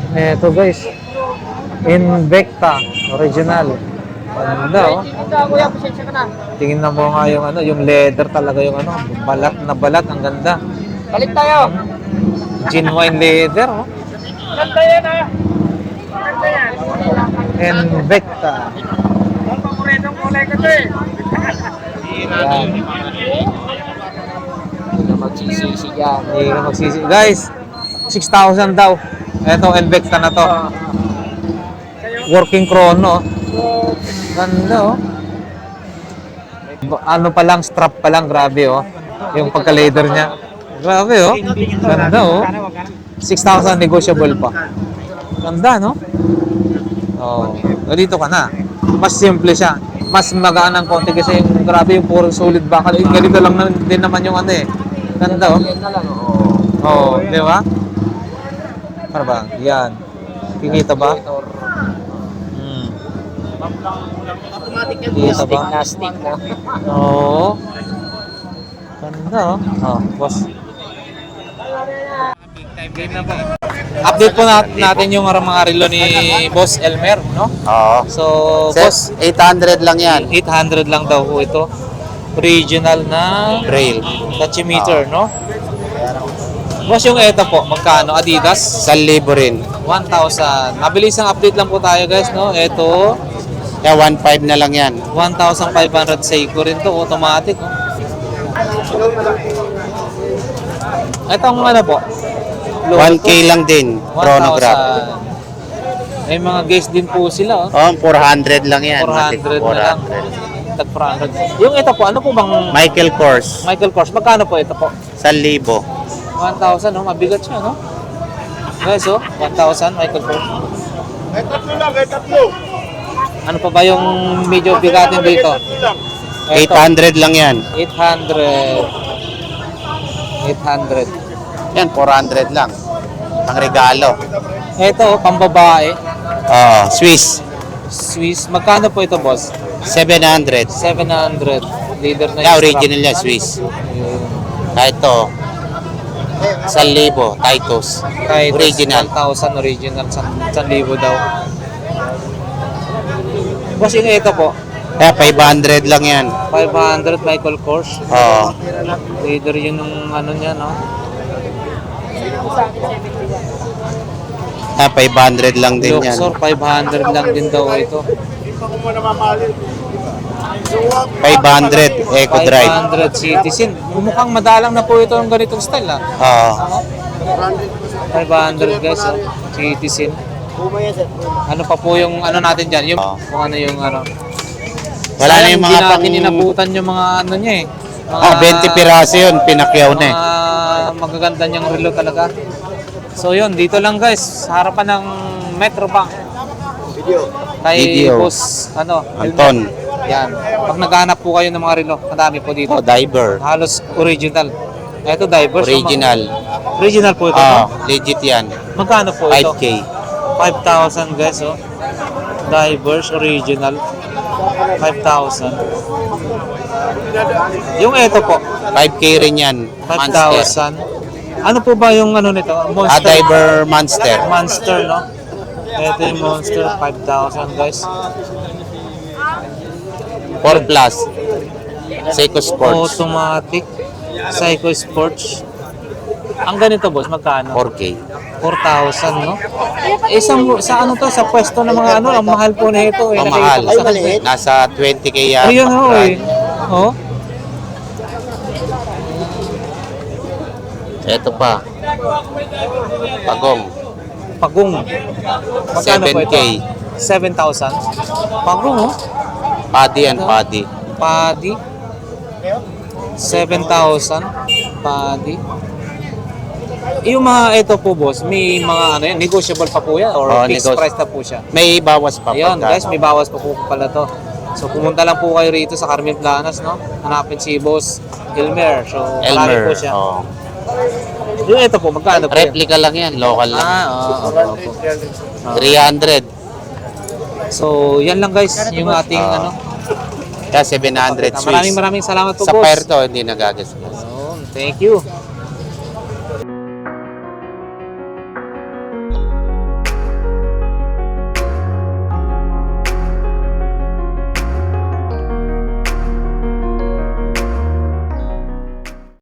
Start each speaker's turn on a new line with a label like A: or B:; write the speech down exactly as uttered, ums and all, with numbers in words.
A: Eto guys, Invicta original. Ganda oh. Tingin na mo nga yung ano, yung leather talaga yung ano, balat na balat, ang ganda.
B: Balik tayo.
A: Genuine leather oh.
B: Ganda yan ah. Ganda yan.
A: Invicta.
B: Ang paboritong kulay ko to eh.
A: Yan.
B: Hindi ka magsisisi yan.
A: Hindi ka magsisi. Guys, six thousand daw. Eto, Invicta na to. Working chrono. Ganda oh. Ano pa lang, strap pa lang, grabe oh. Yung pagka-leather niya. Grabe oh. Ganda oh. six thousand negotiable pa. Ganda no? Oh, dito ka na. Mas simple siya. Mas magaan ng konti kasi yung grabe yung puro solid bakal. Eh, ganito lang na, din naman yung ano eh. Ganda oh. Oh, di ba? Ano ba? Yan. Kinita ba? Hmm. Kita ba?
B: Na stick na.
A: Oo. Ganda oh. Oh, boss. Update po nat natin yung mga relo ni Boss Elmer, no?
C: Oo.
A: So,
C: Set,
A: boss,
C: eight hundred lang yan.
A: eight hundred lang daw po ito. Original na
C: Braille.
A: tachymeter, no? Boss, yung ito po, magkano? Adidas?
C: Sa libo rin.
A: one thousand. Mabilis ang update lang po tayo, guys, no? Ito,
C: Kaya one five na lang yan.
A: one thousand five hundred Seiko rin to, automatic, no? Itong ano po?
C: one K lang din. Chronograph.
A: one thousand. May mga guys din po sila, oh.
C: Oh, four hundred lang yan.
A: four hundred na lang. Tag four hundred. Yung ito po, ano po bang
C: Michael Kors.
A: Michael Kors? Magkano po ito po?
C: Sa libo.
A: one thousand, no? Mabigat siya, no? Guys, oh, one thousand Michael Kors.
B: Ay tatlo lang, ay tatlo.
A: Ano pa ba yung medyo bigatin dito?
C: eight hundred lang yan.
A: eight hundred. eight hundred.
C: Yan, four hundred lang. Ang regalo.
A: Ito, oh, pambabae.
C: Oh, Swiss.
A: Swiss. Magkano po ito, boss?
C: seven hundred.
A: seven hundred. Leader na
C: Kaya
A: yung
C: original
A: strap.
C: yan, Swiss.
A: Yun.
C: Kaya ito, sa libo, Titus.
A: Kahit
C: Original.
A: one thousand original, one thousand daw. Boss, yung ito po,
C: Kaya five hundred lang yan.
A: five hundred Michael Kors.
C: Oh.
A: Leader yun ng ano niya, no?
C: Kaya five hundred lang din yan.
A: Luxor, five hundred lang din daw ito.
C: five hundred Eco Drive.
A: five hundred Citizen. Mukhang madalang na po ito ng ganitong style, ah.
C: Oo.
A: five hundred guys, oh. Citizen. Ano pa po yung ano natin dyan? Yung,
C: Oo.
A: kung ano yung ano.
C: Wala na
A: Sayang,
C: yung
A: hindi
C: mga pang...
A: natin inabutan yung mga ano niya eh. Mga,
C: Oh, twenty piraso yun. Pinakyaw na eh.
A: Mga magaganda niyang relo talaga. So yun, dito lang guys, sa harapan ng Metro Bank. Video. Kay
C: Video.
A: Boss, ano,
C: Anton.
A: Helmet. Yan. Pag naghahanap po kayo ng mga relo, madami po dito.
C: Oh, diver.
A: Halos original. Ito, divers.
C: Original.
A: Original po ito,
C: Oh,
A: no?
C: legit yan.
A: Magkano po ito?
C: five K.
A: five thousand guys, oh. Divers, original. five thousand. Yung ito po,
C: five K rin yan.
A: five
C: Monster.
A: thousand. Ano po ba yung ano nito?
C: Ah,
A: Monster.
C: diver monster.
A: Monster, no? Ito yung Monster, five thousand guys.
C: four plus. Seiko Sports.
A: Automatic. Psycho Sports. Ang ganito boss, magkano?
C: four K.
A: four thousand, no? Isang, sa ano to, sa pwesto ng mga ano, ang mahal po na ito. Eh.
C: Pamahal.
A: Nakikita ko sa-
C: Nasa twenty K yan.
A: Ayun ho eh. Oh.
C: Ito pa. Pagong.
A: Pagong. Magkano
C: seven
A: po
C: K.
A: ito? seven thousand. Pagong, oh.
C: Paddy and paddy.
A: Padi. seven thousand. Padi. Yung mga ito po boss, may mga ano yan, negotiable pa po yan or
C: Oh,
A: fixed
C: negos-
A: price na po siya.
C: May bawas pa.
A: Ayun
C: pagka-
A: guys, may bawas pa po pala to. So pumunta lang po kayo rito sa Carmen Planas, no? Hanapin si Boss Elmer. So marami
C: Elmer.
A: po siya.
C: Oh.
A: Yung ito po, magkano po yan?
C: Replica lang yan. Local lang.
A: Ah, oo, oo, oo.
C: three hundred.
A: So yan lang guys, yung ating
C: Ah.
A: ano.
C: Kaya seven hundred Swiss.
A: Maraming maraming salamat po
C: Sa
A: boss.
C: Puerto, hindi nagagastos.
A: Ayun, thank you.